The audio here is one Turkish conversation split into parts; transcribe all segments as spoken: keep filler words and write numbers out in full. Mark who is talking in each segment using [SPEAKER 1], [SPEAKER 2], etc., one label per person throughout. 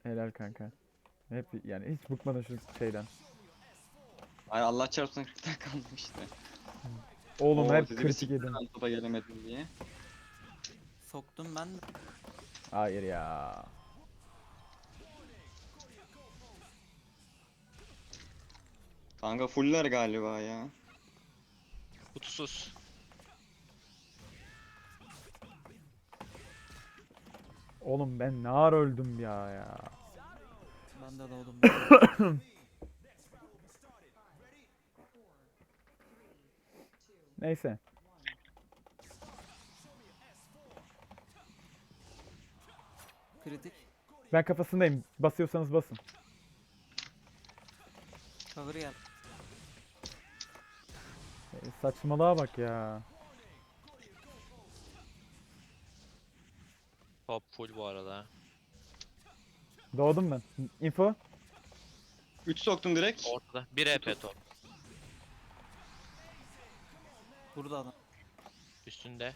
[SPEAKER 1] Helal kanka. Hep yani hiç bıkmadın şu şeyden.
[SPEAKER 2] Ay Allah çarpsın kırktan kalmıştı.
[SPEAKER 1] Oğlum
[SPEAKER 2] Oo
[SPEAKER 1] hep
[SPEAKER 2] sizi bir
[SPEAKER 1] kritik
[SPEAKER 2] siktir
[SPEAKER 1] yedim.
[SPEAKER 2] ben topa gelemedim diye.
[SPEAKER 3] Soktum ben de.
[SPEAKER 1] Hayır ya.
[SPEAKER 2] Kanka fuller galiba ya.
[SPEAKER 4] Kutusuz.
[SPEAKER 1] Oğlum ben ne ara öldüm ya ya.
[SPEAKER 3] Ben de doğdum. Ben.
[SPEAKER 1] Neyse.
[SPEAKER 3] Kritik.
[SPEAKER 1] Ben kafasındayım. Basıyorsanız basın.
[SPEAKER 3] Cover gel.
[SPEAKER 1] E, saçmalığa bak ya.
[SPEAKER 4] Top full bu arada.
[SPEAKER 1] Doğdum ben. Info.
[SPEAKER 2] üç soktum direkt.
[SPEAKER 4] Ortada. bir E P top.
[SPEAKER 3] Burada adam.
[SPEAKER 4] Üstünde.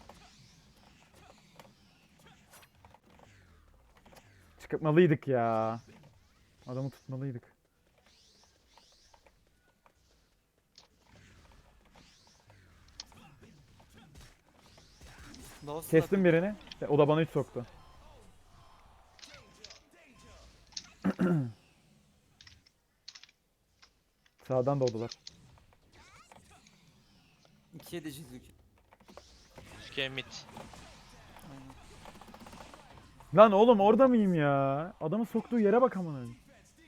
[SPEAKER 1] Çıkmalıydık ya. Adamı tutmalıydık.
[SPEAKER 3] Lost
[SPEAKER 1] Kestim birini. E, O da bana üç soktu. Sağdan doğdular.
[SPEAKER 3] iki yedi çizdik.
[SPEAKER 4] Üske mid.
[SPEAKER 3] Aynen.
[SPEAKER 1] Lan oğlum orada mıyım ya? Adamın soktuğu yere bak amına koyayım.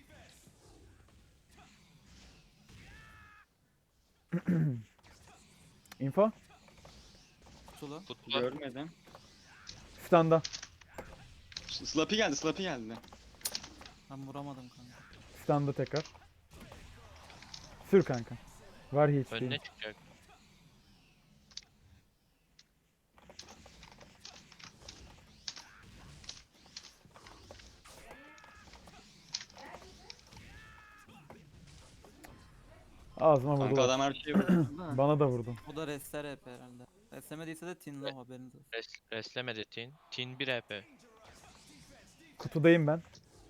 [SPEAKER 1] Info.
[SPEAKER 3] Kutulu.
[SPEAKER 4] Kutlu.
[SPEAKER 2] Görmedim.
[SPEAKER 1] Standa.
[SPEAKER 2] Slappy geldi, Slappy geldi.
[SPEAKER 3] Ben vuramadım kanka.
[SPEAKER 1] Standa tekrar. Sür kanka. Var hiç
[SPEAKER 4] Önüne
[SPEAKER 1] değil.
[SPEAKER 4] çıkacak.
[SPEAKER 1] Ağzıma
[SPEAKER 2] Kanka
[SPEAKER 1] vurdular.
[SPEAKER 2] adam her şeyi vurdu da.
[SPEAKER 1] Bana da vurdu.
[SPEAKER 3] O da restler hep herhalde. Restlemediyse de Tin Low haberiniz olsun.
[SPEAKER 4] Res reslemedi Tin. Tin bir E P.
[SPEAKER 1] Kutudayım ben.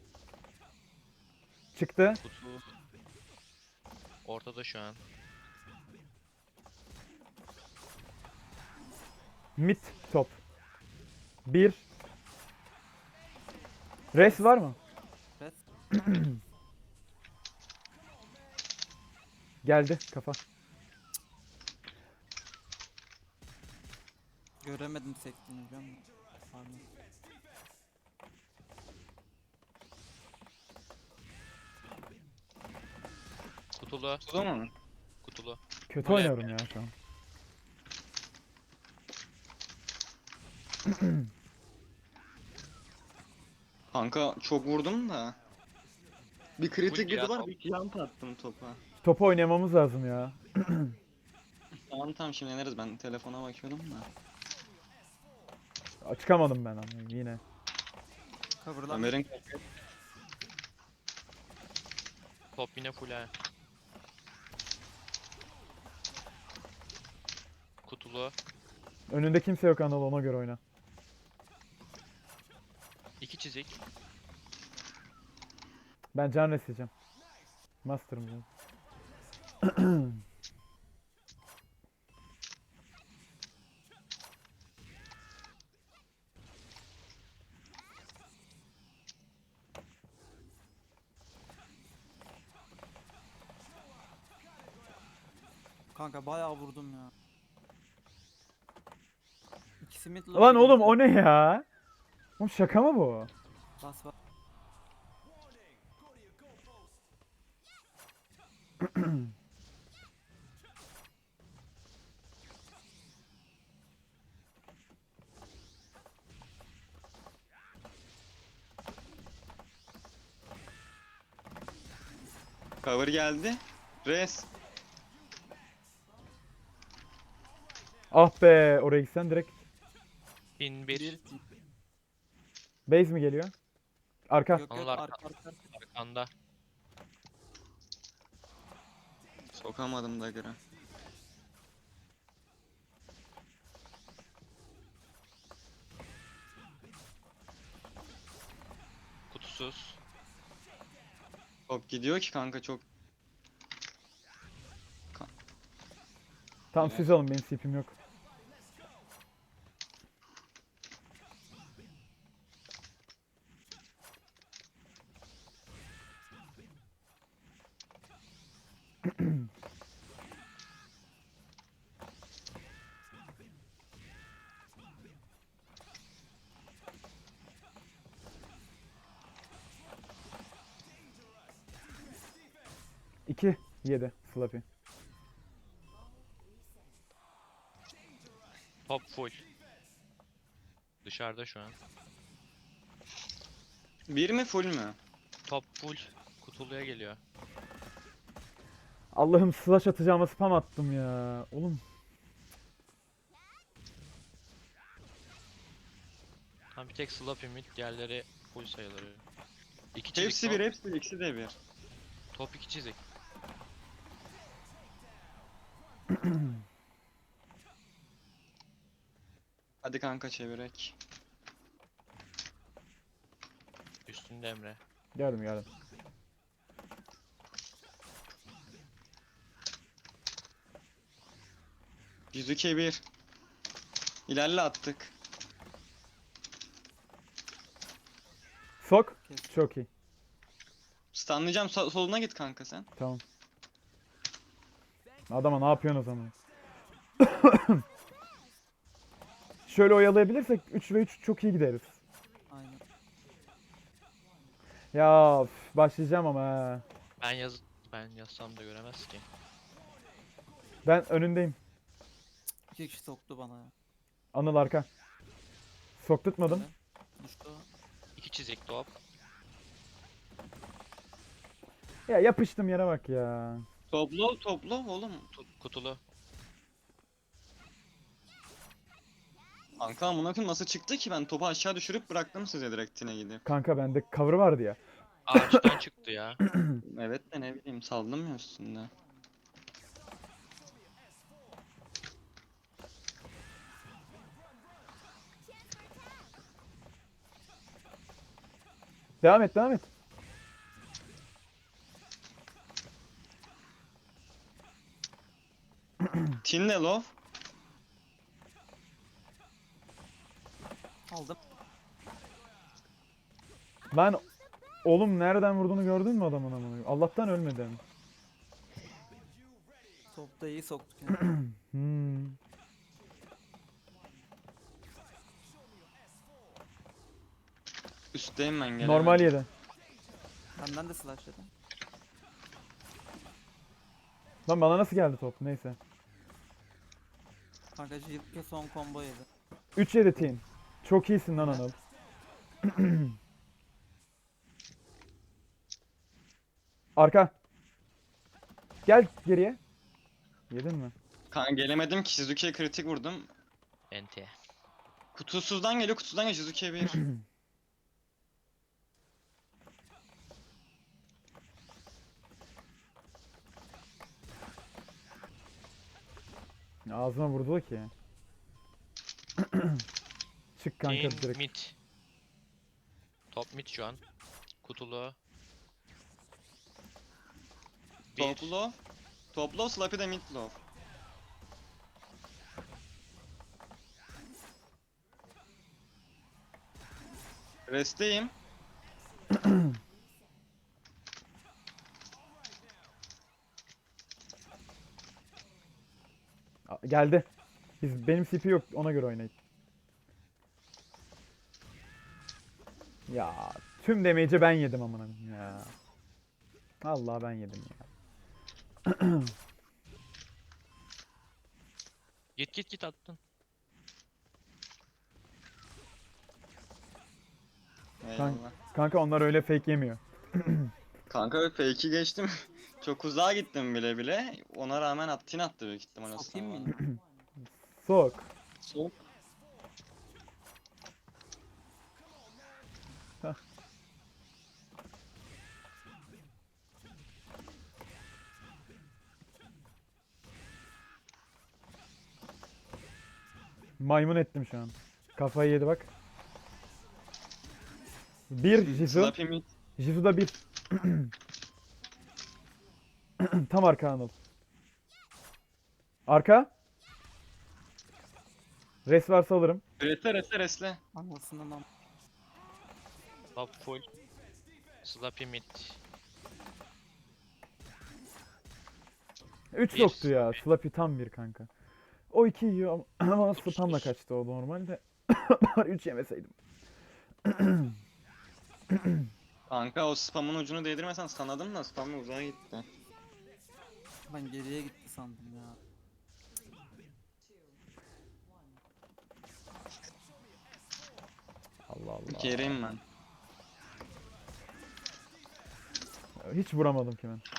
[SPEAKER 1] Çıktı.
[SPEAKER 4] Kutu. Ortada şu an.
[SPEAKER 1] Mid top. Bir. Res var mı?
[SPEAKER 3] Rest.
[SPEAKER 1] Geldi kafa.
[SPEAKER 3] Göremedim sektiğini biliyor musun? Pardon.
[SPEAKER 4] Kutulu.
[SPEAKER 2] Tuttu mu?
[SPEAKER 4] Kutulu.
[SPEAKER 1] Kötü
[SPEAKER 4] Öyle
[SPEAKER 1] oynuyorum ya şu an.
[SPEAKER 2] Kanka çok vurdum da. Bir kritik
[SPEAKER 4] Full ya
[SPEAKER 2] yedi var,
[SPEAKER 4] top.
[SPEAKER 2] bir jump attım topa.
[SPEAKER 1] Topu oynamamız lazım ya.
[SPEAKER 2] Tamam tamam şimdi yeneriz, ben telefona bakıyordum da.
[SPEAKER 1] Çıkamadım ben ama yine.
[SPEAKER 3] Cover'dan.
[SPEAKER 2] Ömer'in
[SPEAKER 4] Top yine full ha. Kutulu.
[SPEAKER 1] Önünde kimse yok Anadolu, ona göre oyna.
[SPEAKER 4] İki çizik.
[SPEAKER 1] Ben can resleyeceğim. Master'ım canım.
[SPEAKER 3] Kanka bayağı vurdum ya. İkisi mid low.
[SPEAKER 1] Lan
[SPEAKER 3] biri
[SPEAKER 1] oğlum
[SPEAKER 3] mid
[SPEAKER 1] o ne ya? Oğlum şaka mı bu?
[SPEAKER 3] low. Bas bas.
[SPEAKER 2] cover geldi. Res.
[SPEAKER 1] Ah be, oraya gitsen direkt.
[SPEAKER 4] Tin
[SPEAKER 3] Bir.
[SPEAKER 4] bir.
[SPEAKER 1] Base mi geliyor? Arka.
[SPEAKER 3] Yok yok
[SPEAKER 4] Anılar
[SPEAKER 3] arka arka.
[SPEAKER 4] Arkanda.
[SPEAKER 2] Sokamadım dagger'ı.
[SPEAKER 4] Kutusuz.
[SPEAKER 2] Top gidiyor ki kanka çok.
[SPEAKER 1] Tamam
[SPEAKER 2] Evet.
[SPEAKER 1] siz alın, benim C P'm yok. iki yedi Slappy.
[SPEAKER 4] Top full. Dışarıda şu an.
[SPEAKER 2] Bir mi full mü?
[SPEAKER 4] Top full. Kutuluya geliyor.
[SPEAKER 1] Allah'ım slash atacağıma spam attım ya. Oğlum
[SPEAKER 4] Tam bir tek Slappy mid, diğerleri full sayılır. İki çizik
[SPEAKER 2] Hepsi
[SPEAKER 4] top.
[SPEAKER 2] bir, hepsi bir, ikisi de bir.
[SPEAKER 4] Top iki çizik.
[SPEAKER 2] Hadi kanka çevirek.
[SPEAKER 4] Üstünde Emre.
[SPEAKER 1] geldim geldim.
[SPEAKER 2] Yüzüke bir. İlerle attık.
[SPEAKER 1] Sok.
[SPEAKER 3] Kes.
[SPEAKER 1] Çok iyi.
[SPEAKER 2] Stunlayacağım, so- soluna git kanka sen.
[SPEAKER 1] Tamam. Adama ne yapıyorsun o zaman? Şöyle oyalayabilirsek üç ve üç çok iyi gideriz.
[SPEAKER 3] Aynen.
[SPEAKER 1] Ya üf, başlayacağım ama ha.
[SPEAKER 4] Ben yaz ben yazsam da göremez ki.
[SPEAKER 1] Ben önündeyim.
[SPEAKER 3] İki kişi soktu bana ya.
[SPEAKER 1] Anıl arka. Soktutmadım.
[SPEAKER 3] Böyle. Düştü o.
[SPEAKER 4] İki çizik top.
[SPEAKER 1] Ya yapıştım yere bak ya.
[SPEAKER 2] Topla, topla oğlum.
[SPEAKER 4] Tu- Kutulu.
[SPEAKER 2] Kanka amına koyayım nasıl çıktı ki, ben topu aşağı düşürüp bıraktım size direkt tine gidip.
[SPEAKER 1] Kanka bende cover vardı ya.
[SPEAKER 4] Ağaçtan çıktı ya.
[SPEAKER 2] Evet de ne bileyim, saldım ya üstünde.
[SPEAKER 1] Devam et devam et.
[SPEAKER 2] Tinle low.
[SPEAKER 3] Aldım.
[SPEAKER 1] Lan oğlum nereden vurduğunu gördün mü adamın amına? Allah'tan ölmedim.
[SPEAKER 3] Topta iyi soktuk yani.
[SPEAKER 1] Hmm.
[SPEAKER 2] Üstteyim ben, gelemedim.
[SPEAKER 1] Normal yedi.
[SPEAKER 3] Benden de slash yedim.
[SPEAKER 1] Lan bana nasıl geldi top? Neyse.
[SPEAKER 3] Kanka Jilke son combo yedi.
[SPEAKER 1] üç yedi teen. Çok iyisin lan Anıl. Arka. Gel geriye. Yedin mi?
[SPEAKER 2] Kanka gelemedim ki, Shizuke'ye kritik vurdum.
[SPEAKER 4] Ente.
[SPEAKER 2] Kutusuzdan geliyor, kutudan geliyor, Shizuke bir.
[SPEAKER 1] Ağzıma vurdu ki. Çık kanka
[SPEAKER 4] Teen
[SPEAKER 1] direkt.
[SPEAKER 4] mid. Top mid şu an. Kutulu. Bir.
[SPEAKER 2] Top low. Top low, Slappy de mid low. Rest'teyim.
[SPEAKER 1] A- Geldi. Biz benim C P yok, ona göre oynayın. Ya tüm damage'i ben yedim amına koyayım ya. Allah ben yedim ya.
[SPEAKER 4] Git git git attın.
[SPEAKER 2] Eyvallah.
[SPEAKER 1] Kanka onlar öyle fake yemiyor.
[SPEAKER 2] Kanka fake'i geçtim. Çok uzağa gittim bile bile. Ona rağmen at, tin attı büyük ihtimal o
[SPEAKER 3] Sokayım mı
[SPEAKER 2] sana.
[SPEAKER 3] yine?
[SPEAKER 1] Sok.
[SPEAKER 2] Sok.
[SPEAKER 1] Maymun ettim şu an. Kafayı yedi bak. Bir Jizu.
[SPEAKER 2] Slappy mid.
[SPEAKER 1] Jizu da bir. Tam arka Anıl. Arka. Res varsa alırım.
[SPEAKER 2] Resle resle resle.
[SPEAKER 3] Anlasından am.
[SPEAKER 4] Top full. Slappy mid.
[SPEAKER 1] üç
[SPEAKER 4] Bir.
[SPEAKER 1] yoktu ya. Slappy tam bir kanka. O iki yiyor ama ama spamla kaçtı o normalde. Bari üç yemeseydim.
[SPEAKER 2] Kanka o spamın ucunu değdirmesen sanadım da spamın uzağa gitti.
[SPEAKER 3] Ben geriye gitti sandım ya.
[SPEAKER 1] Allah Allah.
[SPEAKER 2] Geriyim ben.
[SPEAKER 1] Hiç vuramadım ki ben.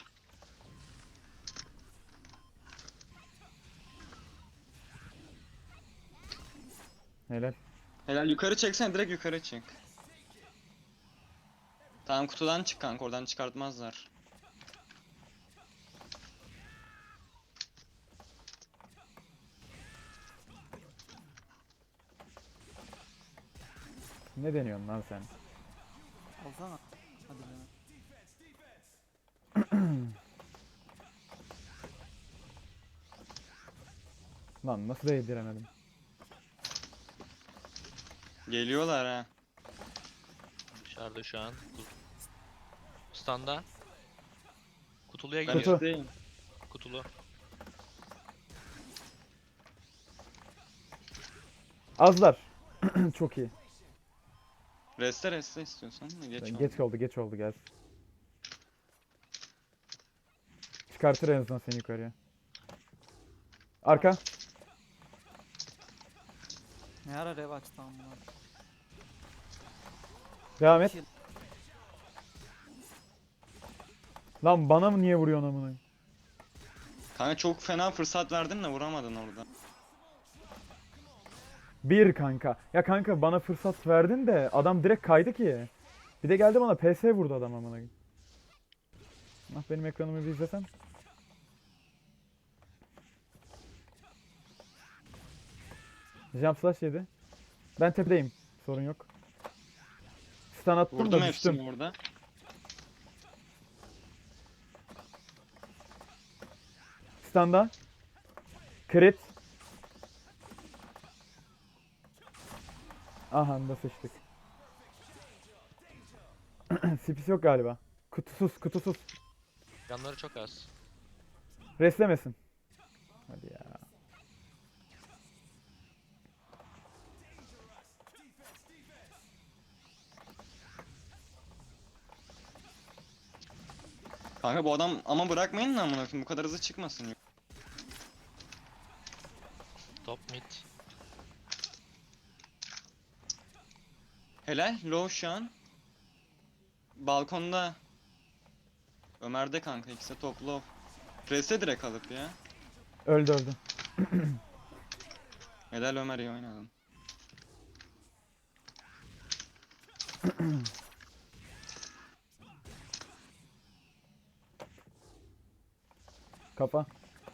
[SPEAKER 1] Helal.
[SPEAKER 2] Helal yukarı çeksene, direkt yukarı çık. Tamam, kutudan çık kanka, oradan çıkartmazlar.
[SPEAKER 1] Ne deniyorsun lan sen?
[SPEAKER 3] Alsana. Hadi be.
[SPEAKER 1] Lan nasıl değdiremedim?
[SPEAKER 2] Geliyorlar ha.
[SPEAKER 4] Dışarıda şu an. Kut- Standa. Kutuluya
[SPEAKER 2] Ben
[SPEAKER 4] gidiyor.
[SPEAKER 1] Kutu.
[SPEAKER 2] üstteyim.
[SPEAKER 4] Kutulu.
[SPEAKER 1] Azlar. Çok iyi.
[SPEAKER 2] Reste reste istiyorsan da geç
[SPEAKER 1] Geç,
[SPEAKER 2] oldu.
[SPEAKER 1] geç oldu, geç oldu gelsin. Çıkartır en azından seni yukarıya. Arka.
[SPEAKER 3] Ne ara rev açtı amına.
[SPEAKER 1] Devam et.
[SPEAKER 3] Kill.
[SPEAKER 1] Lan bana mı niye vuruyorsun amına?
[SPEAKER 2] Kanka çok fena fırsat verdin de vuramadın orada.
[SPEAKER 1] Bir kanka. Ya kanka bana fırsat verdin de adam direkt kaydı ki. Bir de geldi bana P S vurdu adam amına. Ah benim ekranımı bir izlesen. Jump slash yedi. Ben tepedeyim. Sorun yok. Stun attım
[SPEAKER 2] Vurdum
[SPEAKER 1] da düştüm.
[SPEAKER 2] hepsini orada.
[SPEAKER 1] Stun'da. Crit. Aha da sıçtık. Spis yok galiba. Kutusuz kutusuz.
[SPEAKER 4] Canları çok az.
[SPEAKER 1] Reslemesin. Hadi ya.
[SPEAKER 2] Kanka bu adam ama bırakmayın lan, amına koyayım, bu kadar hızlı çıkmasın.
[SPEAKER 4] Top mid.
[SPEAKER 2] Helal, low şu an. Balkonda. Ömer'de kanka, ikisi top low. Reste direkt alıp ya.
[SPEAKER 1] Öldü öldü.
[SPEAKER 2] Helal Ömer, iyi oynadın.
[SPEAKER 1] Kafa.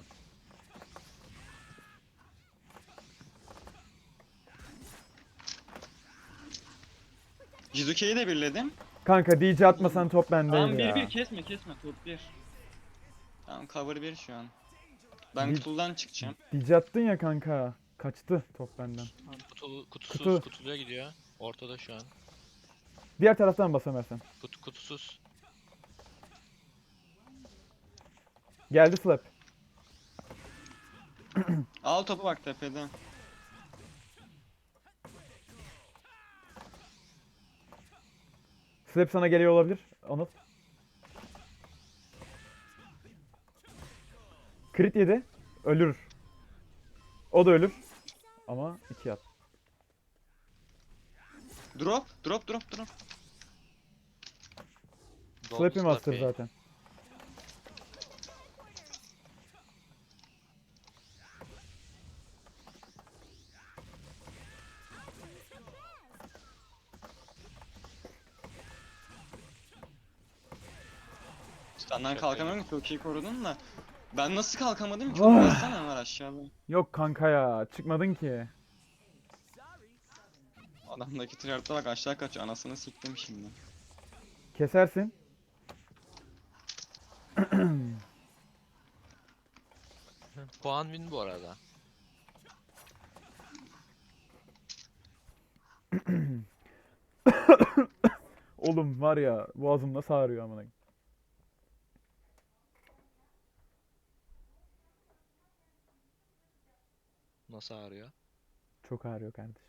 [SPEAKER 2] Jizuke'yi de birledim.
[SPEAKER 1] Kanka D J atmasan top bendeydi
[SPEAKER 2] Tamam,
[SPEAKER 1] ya.
[SPEAKER 2] bir bir kesme kesme, top bir. Tamam, cover bir şu an. Ben
[SPEAKER 1] Bir-
[SPEAKER 2] kutudan çıkacağım.
[SPEAKER 1] D J attın ya kanka. Kaçtı top benden.
[SPEAKER 4] Kutulu, kutusuz.
[SPEAKER 1] Kutu.
[SPEAKER 4] Kutuluya gidiyor. Ortada şu an.
[SPEAKER 1] Diğer taraftan bas Ömer sen.
[SPEAKER 4] Kutu, kutusuz.
[SPEAKER 1] Geldi slap.
[SPEAKER 2] Al topu bak tepede.
[SPEAKER 1] Slap sana geliyor olabilir. Onu. Crit yedi. Ölür. O da ölür. Ama iki at.
[SPEAKER 2] Drop, drop, drop, drop.
[SPEAKER 4] Doldu
[SPEAKER 1] Slappy master
[SPEAKER 4] Slappy.
[SPEAKER 1] zaten.
[SPEAKER 2] Senden
[SPEAKER 4] Çok
[SPEAKER 2] kalkamıyorum ki, çok iyi korudun da. Ben nasıl kalkamadım ki?
[SPEAKER 1] Oh.
[SPEAKER 2] Baksana Ömer aşağıda.
[SPEAKER 1] Yok kanka ya. Çıkmadın ki.
[SPEAKER 2] Adamdaki tryhard'a bak, aşağı kaçıyor, anasını siktim şimdi.
[SPEAKER 1] Kesersin.
[SPEAKER 4] Puan win bu arada.
[SPEAKER 1] Oğlum var ya boğazım nasıl ağrıyor amına.
[SPEAKER 4] Nasıl ağrıyor?
[SPEAKER 1] Çok ağrıyor kardeşim.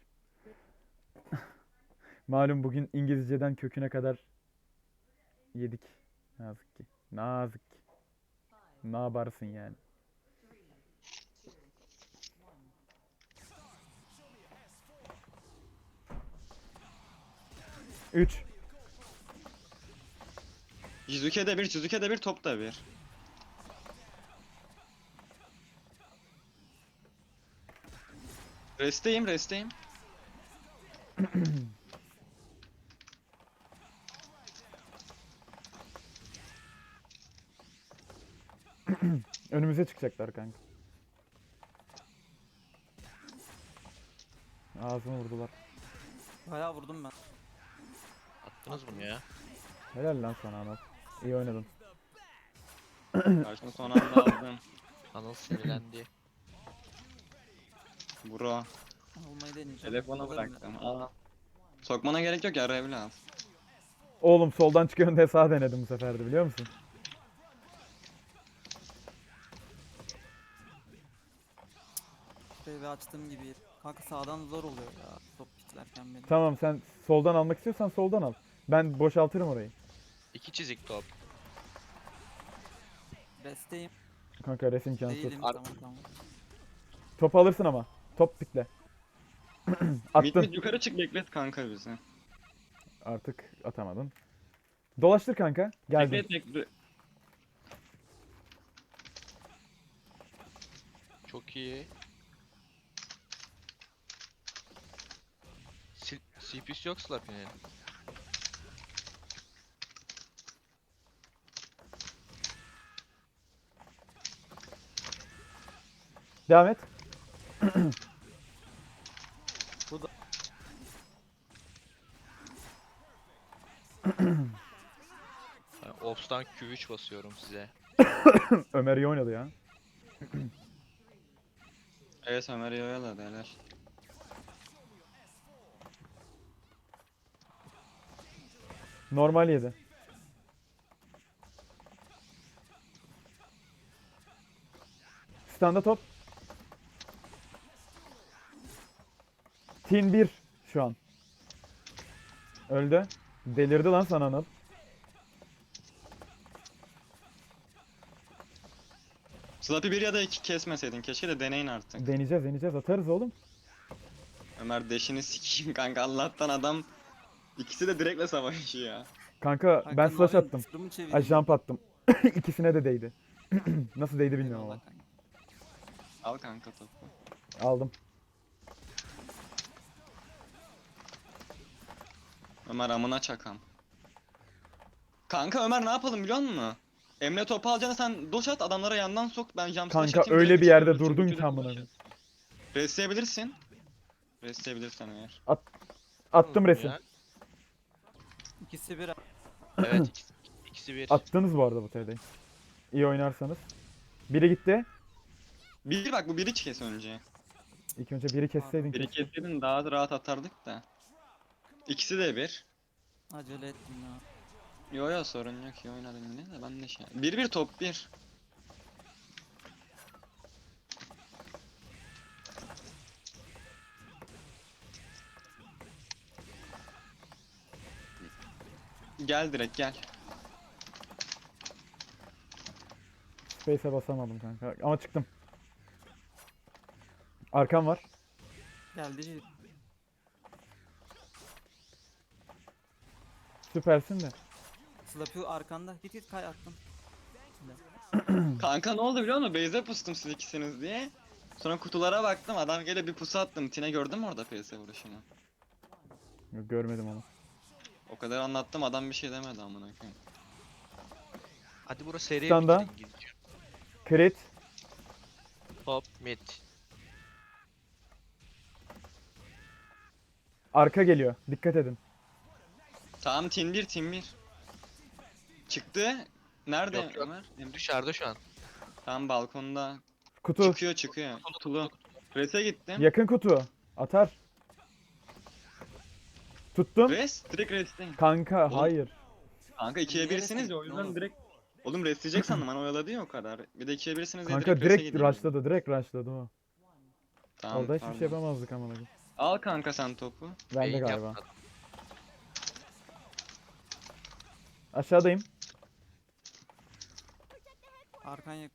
[SPEAKER 1] Malum bugün İngilizceden köküne kadar yedik. Nazik ki. Nazik ki. Ne yaparsın yani? Üç.
[SPEAKER 2] Jizuke de bir, Jizuke de bir, top da bir. Resteyim, resteyim.
[SPEAKER 1] Önümüze çıkacaklar kanka. Ağzını vurdular.
[SPEAKER 3] Bayağı vurdum ben.
[SPEAKER 4] Attınız bunu ya.
[SPEAKER 1] Helal lan sana Anıl. İyi oynadın.
[SPEAKER 2] Karşıma son anda aldım.
[SPEAKER 4] Anıl sinirlendi.
[SPEAKER 2] Bro.
[SPEAKER 3] Almayı deneyeceğim.
[SPEAKER 2] Telefonu
[SPEAKER 3] Alırım
[SPEAKER 2] bıraktım. Aa. Sokmana gerek yok ya, Revli al.
[SPEAKER 1] Oğlum soldan çıkıyorsun diye sağ denedim bu sefer de biliyor musun?
[SPEAKER 3] ya. Ve açtığım gibi. Kanka sağdan zor oluyor ya. Top piklerken benim.
[SPEAKER 1] Tamam sen soldan almak istiyorsan soldan al. Ben boşaltırım orayı.
[SPEAKER 4] İki çizik top.
[SPEAKER 3] Resteyim.
[SPEAKER 1] Kanka resim imkansız.
[SPEAKER 3] Değilim.
[SPEAKER 4] Ar-
[SPEAKER 3] Tamam tamam.
[SPEAKER 1] Top alırsın ama. Top pikle.
[SPEAKER 2] Mid
[SPEAKER 1] Attın.
[SPEAKER 2] mid yukarı çık, beklet kanka bizi.
[SPEAKER 1] Artık atamadın. Dolaştır kanka. Geldim.
[SPEAKER 2] Beklet beklet.
[SPEAKER 4] Çok iyi. Si- C P'si yok Slappy'nin.
[SPEAKER 1] Devam et.
[SPEAKER 3] Bu da
[SPEAKER 4] Ben Ops'tan Q üç basıyorum size.
[SPEAKER 1] Ömer iyi oynadı ya.
[SPEAKER 2] Evet, Ömer iyi oyaladı, helal.
[SPEAKER 1] Normal yedi. Standa top. Tin bir şu an. Öldü. Delirdi lan sana Anıl.
[SPEAKER 2] Slappy bir ya da iki kesmeseydin keşke, de deneyin artık.
[SPEAKER 1] Deneyeceğiz deneyeceğiz atarız oğlum.
[SPEAKER 2] Ömer deşini sikeyim kanka, Allah'tan adam ikisi de direktle savaşıyor ya.
[SPEAKER 1] Kanka
[SPEAKER 3] Kanka,
[SPEAKER 1] ben slash
[SPEAKER 3] Narin
[SPEAKER 1] attım.
[SPEAKER 3] tırımı çevireyim.
[SPEAKER 1] Ay jump attım. İkisine de değdi. Nasıl değdi bilmiyorum
[SPEAKER 3] Eyvallah
[SPEAKER 1] ama.
[SPEAKER 3] kanka.
[SPEAKER 2] Al kanka topu.
[SPEAKER 1] Aldım.
[SPEAKER 2] Ömer amına çakam. Kanka Ömer ne yapalım biliyor musun? Emre topu alacağına sen doş at, adamlara yandan sok, ben jump slash
[SPEAKER 1] Kanka
[SPEAKER 2] atayım,
[SPEAKER 1] öyle
[SPEAKER 2] direkt
[SPEAKER 1] bir yerde
[SPEAKER 2] üçünü
[SPEAKER 1] durdun
[SPEAKER 2] üçünü
[SPEAKER 1] ki amına
[SPEAKER 2] doş
[SPEAKER 1] koyayım.
[SPEAKER 2] at. Restleyebilirsin. Restleyebilirsen eğer.
[SPEAKER 1] Attım
[SPEAKER 4] Nasıl
[SPEAKER 1] resim.
[SPEAKER 4] ya?
[SPEAKER 3] İkisi bir.
[SPEAKER 4] Evet ikisi, ikisi bir.
[SPEAKER 1] Attınız bu arada bu T D'yi. İyi oynarsanız. Biri gitti.
[SPEAKER 2] Bir bak, bu biri kes önce.
[SPEAKER 1] İlk önce biri kesseydin
[SPEAKER 2] Biri
[SPEAKER 1] keşke.
[SPEAKER 2] kesseydin daha rahat atardık da. İkisi de bir.
[SPEAKER 3] Acele ettim ya.
[SPEAKER 2] Yo yo, sorun yok, iyi oynadın yine de ben de şey. Bir bir top bir. Gel direkt gel.
[SPEAKER 1] Space'e basamadım kanka. Ama çıktım. Arkam var.
[SPEAKER 3] Geldi.
[SPEAKER 1] Süpersin de.
[SPEAKER 3] Slappy arkanda. Git git kay attım.
[SPEAKER 2] Kanka ne oldu biliyor musun? Base'e pustum siz ikisiniz diye. Sonra kutulara baktım, adam gele bir pusu attım. Tine gördün mü orada P S vuruşunu?
[SPEAKER 1] Yok, görmedim onu.
[SPEAKER 2] O kadar anlattım, adam bir şey demedi amına koyayım.
[SPEAKER 4] Hadi burası seri
[SPEAKER 1] Standa.
[SPEAKER 4] bitirin İngilizce.
[SPEAKER 1] Crit.
[SPEAKER 4] Top mid.
[SPEAKER 1] Arka geliyor. Dikkat edin.
[SPEAKER 2] Tamam, Tin bir Tin bir. Çıktı. Nerede
[SPEAKER 4] Yok, yok.
[SPEAKER 2] Ömer? Emre?
[SPEAKER 4] Dışarıda şu an.
[SPEAKER 2] Tam balkonda.
[SPEAKER 1] Kutu.
[SPEAKER 2] Çıkıyor çıkıyor. Kutulu. Res'e gittim.
[SPEAKER 1] Yakın kutu. Atar. Tuttum.
[SPEAKER 2] Res direkt res'teyim.
[SPEAKER 1] Kanka
[SPEAKER 2] Oğlum,
[SPEAKER 1] hayır.
[SPEAKER 2] Kanka ikiye
[SPEAKER 3] Niye
[SPEAKER 2] birsiniz
[SPEAKER 3] res'e
[SPEAKER 2] ya o
[SPEAKER 3] gittin
[SPEAKER 2] yüzden
[SPEAKER 3] oğlum?
[SPEAKER 2] direkt. Oğlum resleyecek sandım ben oyaladı ya o kadar. Bir de ikiye birsiniz diye
[SPEAKER 1] Kanka
[SPEAKER 2] direkt res'e
[SPEAKER 1] direkt
[SPEAKER 2] gideyim dedim.
[SPEAKER 1] rushladı. Direkt rushladı o.
[SPEAKER 2] Tamam,
[SPEAKER 1] Orada hiçbir
[SPEAKER 2] pardon.
[SPEAKER 1] şey yapamazdık amına koyayım.
[SPEAKER 2] Al kanka sen topu.
[SPEAKER 1] Bende
[SPEAKER 4] Beyin
[SPEAKER 1] galiba.
[SPEAKER 4] yapmadım.
[SPEAKER 1] Aşağıdayım.
[SPEAKER 3] Arkan yak.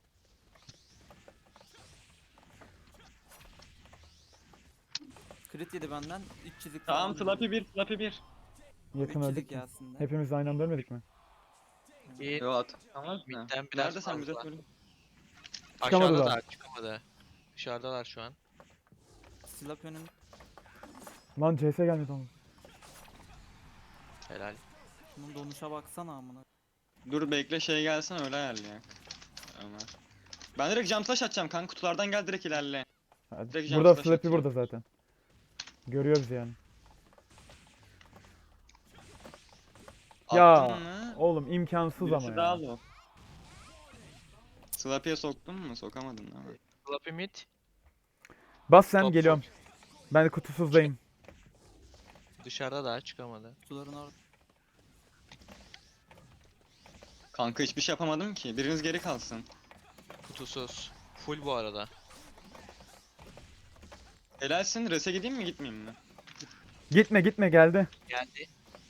[SPEAKER 3] Crit yedi benden. üç çizik
[SPEAKER 2] Tamam
[SPEAKER 3] falan
[SPEAKER 2] Slappy bir, Slappy bir.
[SPEAKER 1] Yakın
[SPEAKER 3] üç
[SPEAKER 1] öldük
[SPEAKER 3] çizik
[SPEAKER 1] ki.
[SPEAKER 3] gelsin de.
[SPEAKER 1] Hepimiz aynı anda ölmedik mi?
[SPEAKER 4] İyi.
[SPEAKER 2] Yo at. Tamam mı?
[SPEAKER 4] Midden biraz
[SPEAKER 2] Nerede sen bize
[SPEAKER 4] fazla.
[SPEAKER 2] söyle.
[SPEAKER 1] Çıkamadılar.
[SPEAKER 4] Aşağıdalar çıkamadı. Dışarıdalar şu an.
[SPEAKER 3] Slap önün.
[SPEAKER 1] Lan C S gelmedi oğlum.
[SPEAKER 4] Helal.
[SPEAKER 3] Şunun donuşa baksana amına.
[SPEAKER 2] Dur bekle şey gelsin öyle ayarlayak. Ömer. Ben direkt jump flash atacağım kanka kutulardan gel direkt ilerle.
[SPEAKER 1] Hadi.
[SPEAKER 2] Direkt jump
[SPEAKER 1] Burada
[SPEAKER 2] flash
[SPEAKER 1] Slappy
[SPEAKER 2] atıyor.
[SPEAKER 1] burada zaten. Görüyoruz yani. Ya
[SPEAKER 2] Attın mı?
[SPEAKER 1] oğlum imkansız ama
[SPEAKER 2] Birisi daha
[SPEAKER 1] ya.
[SPEAKER 2] low. Slappy'ye soktun mu? Sokamadın değil mi?
[SPEAKER 4] Floppy mid.
[SPEAKER 1] Bas sen
[SPEAKER 4] Top
[SPEAKER 1] geliyorum. Ben kutusuzdayım.
[SPEAKER 4] Dışarıda daha çıkamadı.
[SPEAKER 3] Suların orada.
[SPEAKER 2] Kanka hiçbir şey yapamadım ki. Biriniz geri kalsın.
[SPEAKER 4] Kutusuz. Full bu arada.
[SPEAKER 2] Helalsin. Res'e gideyim mi gitmeyeyim mi?
[SPEAKER 1] Gitme gitme geldi.
[SPEAKER 4] Geldi.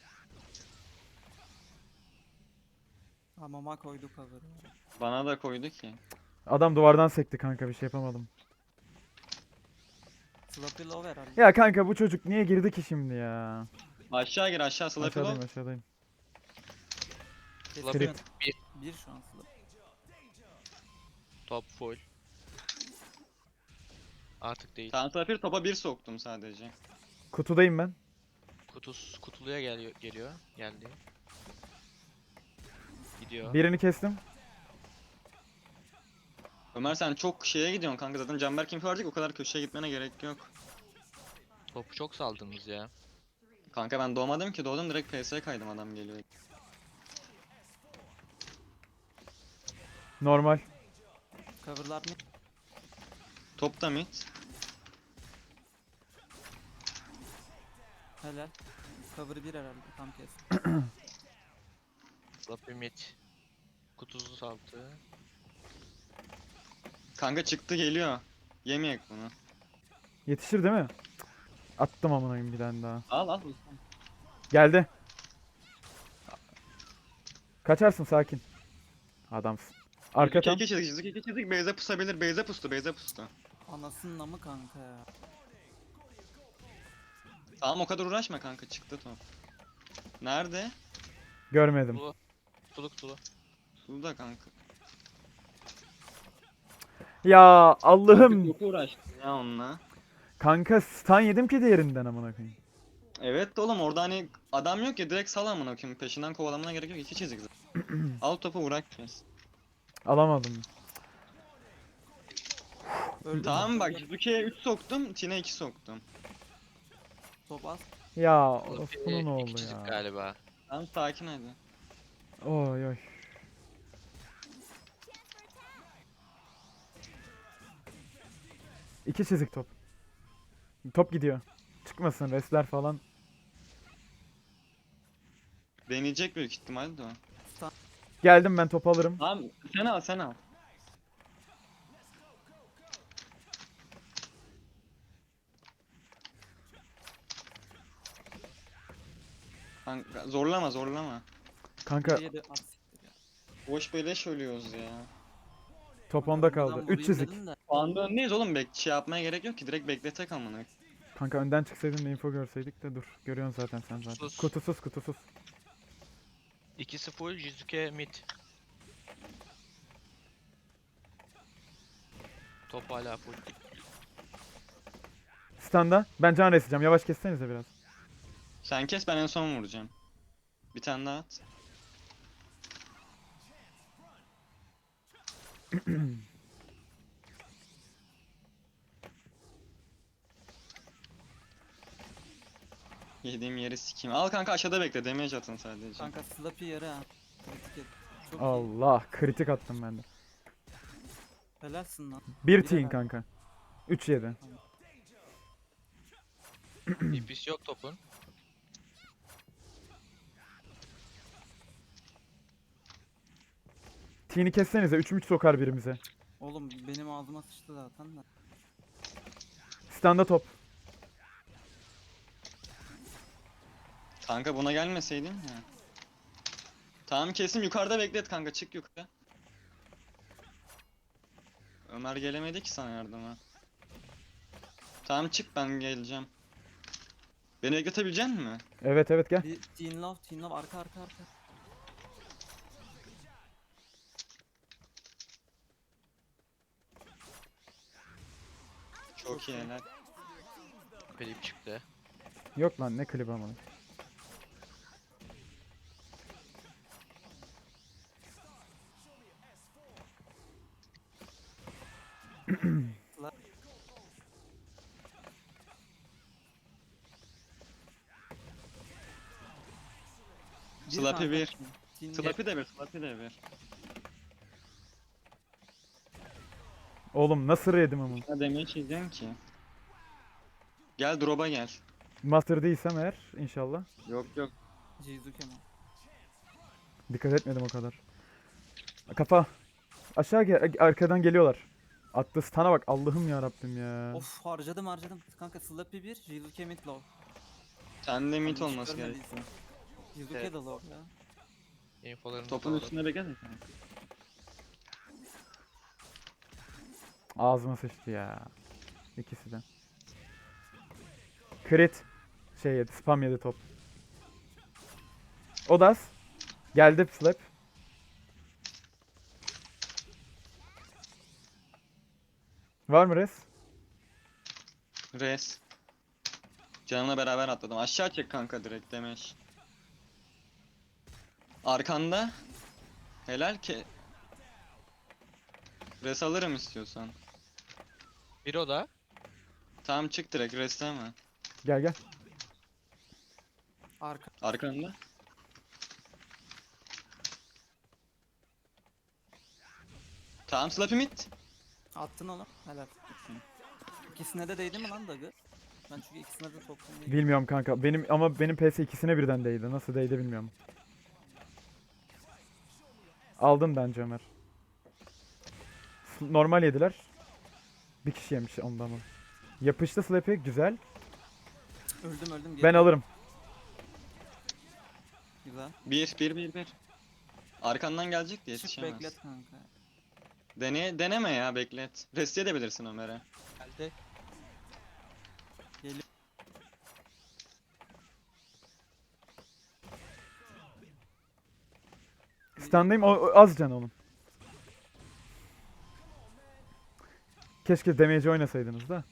[SPEAKER 3] Hamama koydu cover'ı.
[SPEAKER 2] Bana da koydu ki.
[SPEAKER 1] Adam duvardan sekti kanka bir şey yapamadım.
[SPEAKER 3] Slappy low herhalde.
[SPEAKER 1] Ya kanka bu çocuk niye girdi ki şimdi ya?
[SPEAKER 2] Aşağı gir aşağı Slappy
[SPEAKER 1] Aşağıdayım
[SPEAKER 2] low.
[SPEAKER 1] aşağıdayım.
[SPEAKER 3] Kesin
[SPEAKER 4] Slappy
[SPEAKER 3] ön.
[SPEAKER 4] bir.
[SPEAKER 3] Bir şu an slap.
[SPEAKER 4] Top full. Artık değil.
[SPEAKER 2] Tamam Slappy topa bir soktum sadece.
[SPEAKER 1] Kutudayım ben.
[SPEAKER 4] Kutus kutuluya geliyor geliyor. Geldi. Gidiyor.
[SPEAKER 1] Birini kestim.
[SPEAKER 2] Ömer sen çok şeye gidiyorsun kanka zaten Canberk infi verecek o kadar köşeye gitmene gerek yok.
[SPEAKER 4] Topu çok saldınız ya.
[SPEAKER 2] Kanka ben doğmadım ki doğdum direkt P S'ye kaydım adam geliyor.
[SPEAKER 1] Normal.
[SPEAKER 3] Cover'lar mı?
[SPEAKER 2] Top da mid.
[SPEAKER 3] Helal. Cover bir herhalde. Tam kes.
[SPEAKER 4] Floppy mid. Kutusuz altı.
[SPEAKER 2] Kanka çıktı geliyor. Yemeyek bunu.
[SPEAKER 1] Yetişir değil mi? Cık. Attım amına koyayım bir tane daha.
[SPEAKER 2] Al al.
[SPEAKER 1] Geldi. Kaçarsın sakin. Adamsın. Arka tam.
[SPEAKER 2] İki çizik çizik iki çizik Beyze pusabilir Beyze pustu Beyze pustu.
[SPEAKER 3] Anasının namı kanka ya.
[SPEAKER 2] Tamam o kadar uğraşma kanka çıktı top. Nerede?
[SPEAKER 1] Görmedim.
[SPEAKER 4] Kutulu. Kutulu kutulu.
[SPEAKER 2] Suda kanka.
[SPEAKER 1] Ya Allah'ım.
[SPEAKER 2] Çok uğraştım ya onunla.
[SPEAKER 1] Kanka stun yedim ki diğerinden amına koyayım.
[SPEAKER 2] Evet de oğlum orada hani adam yok ya direkt sal amına koyayım peşinden kovalamana gerek yok iki çizik zaten. Al topu uğraş biraz.
[SPEAKER 1] Alamadım.
[SPEAKER 3] Öldü.
[SPEAKER 2] Tamam bak Jizuke'ye üç soktum Tine iki soktum.
[SPEAKER 3] Top az.
[SPEAKER 1] Ya of
[SPEAKER 4] Floppy
[SPEAKER 1] bunun
[SPEAKER 4] iki
[SPEAKER 1] oldu
[SPEAKER 4] çizik
[SPEAKER 1] ya.
[SPEAKER 4] galiba.
[SPEAKER 2] Tamam sakin hadi.
[SPEAKER 1] Oy oy. İki çizik top. Top gidiyor. Çıkmasın resler falan.
[SPEAKER 2] Deneyecek büyük ihtimalle de o.
[SPEAKER 1] Geldim ben top alırım.
[SPEAKER 2] Tamam sen al sen al. Kanka, zorlama zorlama.
[SPEAKER 1] Kanka
[SPEAKER 3] Bir yedi az siktir ya.
[SPEAKER 2] Boş beleş ölüyoruz ya.
[SPEAKER 1] top
[SPEAKER 3] Kanka
[SPEAKER 1] onda
[SPEAKER 3] önden
[SPEAKER 1] kaldı.
[SPEAKER 3] vurayım
[SPEAKER 1] Üç çizik.
[SPEAKER 3] dedim de.
[SPEAKER 2] Anda öndeyiz oğlum bek şey yapmaya gerek yok ki direkt bekletek amına.
[SPEAKER 1] Kanka önden çıksaydın da info görseydik de dur. Görüyorsun zaten sen zaten.
[SPEAKER 4] Sus.
[SPEAKER 1] Kutusuz kutusuz.
[SPEAKER 4] İkisi full. Jizuke mid. Top hala full.
[SPEAKER 1] Standa. Ben can reseceğim. Yavaş kessenize biraz.
[SPEAKER 2] Sen kes ben en son vuracağım. Bir tane daha at. Yediğim yeri sikeyim. Al kanka aşağıda bekle damage atın sadece.
[SPEAKER 3] Kanka Slappy yarı ha. Kritik et. Çok iyi.
[SPEAKER 1] Allah kritik attım ben de.
[SPEAKER 3] Helalsin lan.
[SPEAKER 1] Bir
[SPEAKER 3] Bir
[SPEAKER 1] teen
[SPEAKER 3] helal.
[SPEAKER 1] kanka. üç yedi.
[SPEAKER 4] E P'si yok topun.
[SPEAKER 1] Teen'i kessenize üç üç sokar birimize.
[SPEAKER 3] Oğlum benim ağzıma sıçtı zaten de.
[SPEAKER 1] Standa top.
[SPEAKER 2] Kanka buna gelmeseydin ya. Tamam kesim yukarıda beklet kanka, çık yukarı. Ömer gelemedi ki sana yardıma. Tamam çık, ben geleceğim. Beni bekletebilecek misin?
[SPEAKER 1] Evet evet gel.
[SPEAKER 3] Bir teen love, teen love arka arka arka.
[SPEAKER 2] Çok iyi helal.
[SPEAKER 4] Klip çıktı.
[SPEAKER 1] Yok lan ne klip ama.
[SPEAKER 2] Slappy
[SPEAKER 3] kanka,
[SPEAKER 2] bir.
[SPEAKER 3] teen love.
[SPEAKER 2] Slappy de bir, Slappy de bir.
[SPEAKER 1] Oğlum nasıl yedim ama.
[SPEAKER 2] Ne demeye çizeceğim ki? Gel drop'a gel.
[SPEAKER 1] Master değilsem eğer inşallah.
[SPEAKER 2] Yok yok.
[SPEAKER 3] Jizuke mi?
[SPEAKER 1] Dikkat etmedim o kadar. Kafa. Aşağı gel. Arkadan geliyorlar. Attı stun'a bak. Allah'ım ya Rabbim ya.
[SPEAKER 3] Of harcadım harcadım. Kanka Slappy bir, Jizuke mid low.
[SPEAKER 2] Sende mid
[SPEAKER 3] Hiç
[SPEAKER 2] olması gerek.
[SPEAKER 3] görmediysen. Jizuke
[SPEAKER 2] Evet.
[SPEAKER 3] de low ya.
[SPEAKER 4] Infolarını
[SPEAKER 2] Topun
[SPEAKER 4] sağladı.
[SPEAKER 2] üstünde bekle.
[SPEAKER 1] Ağzıma sıçtı ya. İkisi de. Crit. Şey yedi. Spam yedi top. Odas. Geldi slap. Var mı res?
[SPEAKER 2] Res. Canımla beraber atladım. Aşağı çek kanka direkt demiş. Arkanda. Helal ki. Res alırım istiyorsan.
[SPEAKER 4] Bir o da.
[SPEAKER 2] Tamam çık direkt, resleme.
[SPEAKER 1] Gel gel.
[SPEAKER 3] Arka.
[SPEAKER 2] Arkanda. Tamam Slappy mid.
[SPEAKER 3] Attın oğlum. Helal. İkisine de değdi mi lan Dagı? Ben çünkü ikisine de soktum. değil.
[SPEAKER 1] Bilmiyorum kanka. Benim ama benim P S ikisine birden değdi. Nasıl değdi bilmiyorum. Aldın bence Ömer. S- Normal yediler. Bir kişi yemiş ondan mı? Yapıştı Slappy güzel.
[SPEAKER 3] Öldüm öldüm.
[SPEAKER 1] Ben
[SPEAKER 3] geliyorum.
[SPEAKER 1] alırım.
[SPEAKER 3] Güzel.
[SPEAKER 2] Bir, bir, bir, bir. Arkandan gelecek diye
[SPEAKER 3] Çık
[SPEAKER 2] yetişemez.
[SPEAKER 3] beklet kanka.
[SPEAKER 2] Dene, deneme ya, beklet. Rest edebilirsin Ömer'e.
[SPEAKER 4] Geldi.
[SPEAKER 1] Standayım o, o az can onun. Keşke damage oynasaydınız da.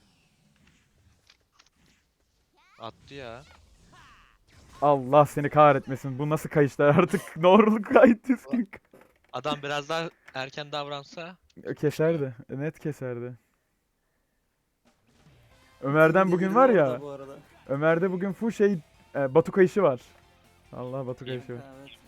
[SPEAKER 4] Attı ya.
[SPEAKER 1] Allah seni kahretmesin. Bu nasıl kayışlar artık? Doğruluk kayıt düzgün.
[SPEAKER 4] Adam biraz daha erken davransa
[SPEAKER 1] Keserdi. Net keserdi. Ömer'den bugün var
[SPEAKER 3] Delirdi orada
[SPEAKER 1] ya.
[SPEAKER 3] bu arada.
[SPEAKER 1] Ömer'de bugün full şey e, Batu kayışı var. Allah Batu kayışı var.
[SPEAKER 3] Evet.